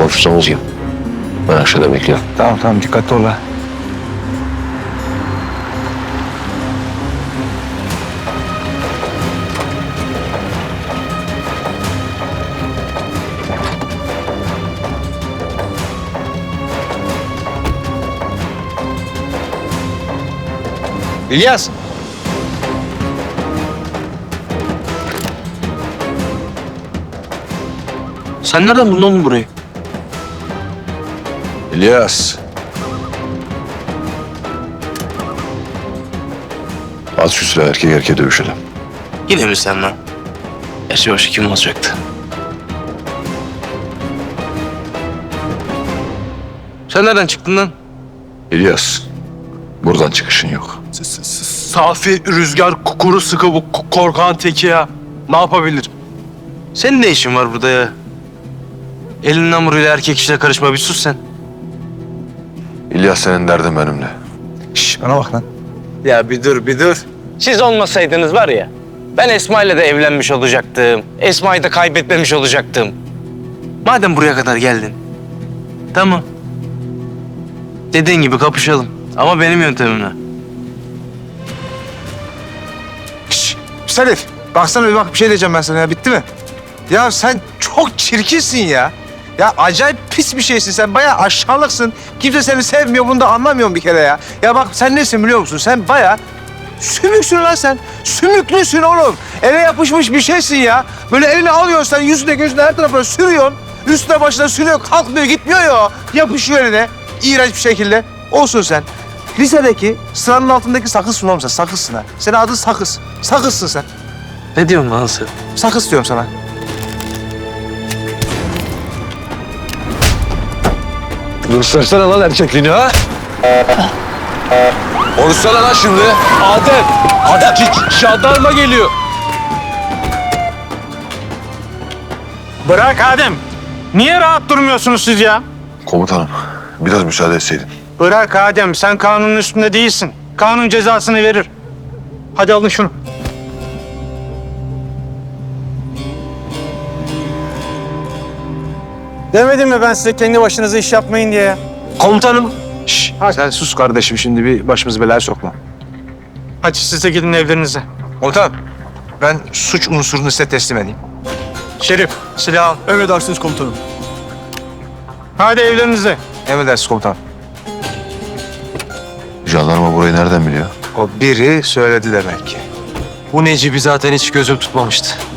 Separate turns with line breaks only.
konuşursanız yiyin. Ben aşağıda bekliyorum.
Tamam tamam dikkatli ol ha. İlyas.
Sen nereden buldun oğlum burayı?
İlyas. At şu silahı, erkek erkeğe dövüşelim.
Yine mi sen lan? Gerçi başka kim olacaktı? Sen nereden çıktın lan?
İlyas, buradan çıkışın yok.
Safi, rüzgar, kuru sıkı bu korkan teki ya. Ne yapabilir?
Senin ne işin var burada ya? Elin namuruyla erkek işine karışma, bir sus sen.
İlyas, senin derdin benimle.
Şş, bana bak lan.
Ya bir dur. Siz olmasaydınız var ya, ben Esma ile de evlenmiş olacaktım. Esma'yı da kaybetmemiş olacaktım. Madem buraya kadar geldin, tamam. Dediğin gibi kapışalım ama benim yöntemimle.
Şş, Salif, baksana bir şey diyeceğim ben sana ya. Bitti mi? Ya sen çok çirkinsin ya. Ya acayip pis bir şeysin sen. Bayağı aşağılıksın. Kimse seni sevmiyor. Bunu da anlamıyorum bir kere ya. Ya bak sen nesin biliyor musun? Sen bayağı sümüksün lan sen. Sümüklüsün oğlum. Ele yapışmış bir şeysin ya. Böyle elini alıyorsun sen yüzüne gözüne her tarafına sürüyorsun. Üstüne başına sürüyor. Kalkmıyor gitmiyor ya. Yapışıyor eline. İğrenç bir şekilde. Olsun sen. Lisedeki sıranın altındaki sakızsın oğlum sen. Sakızsın ha. Senin adın Sakız. Sakızsın sen.
Ne diyorsun lan sen?
Sakız diyorum sana.
Göstersene lan erkekliğini ha. Konuşsana lan şimdi.
Adem, jandarma geliyor.
Bırak Adem. Niye rahat durmuyorsunuz siz ya?
Komutanım, biraz müsaade etseydin.
Bırak Adem, sen kanunun üstünde değilsin. Kanun cezasını verir. Hadi alın şunu. Demedim mi ben size kendi başınıza iş yapmayın diye?
Komutanım.
Şş, sen sus kardeşim şimdi bir başımızı belaya sokma.
Hadi siz de gidin evlerinize.
Komutanım ben suç unsurunu size teslim edeyim.
Şerif, silah al.
Emredersiniz komutanım.
Hadi evlerinize.
Emredersiniz komutanım.
Jandarma burayı nereden biliyor?
O biri söyledi demek ki.
Bu Necip'i zaten hiç gözüm tutmamıştı.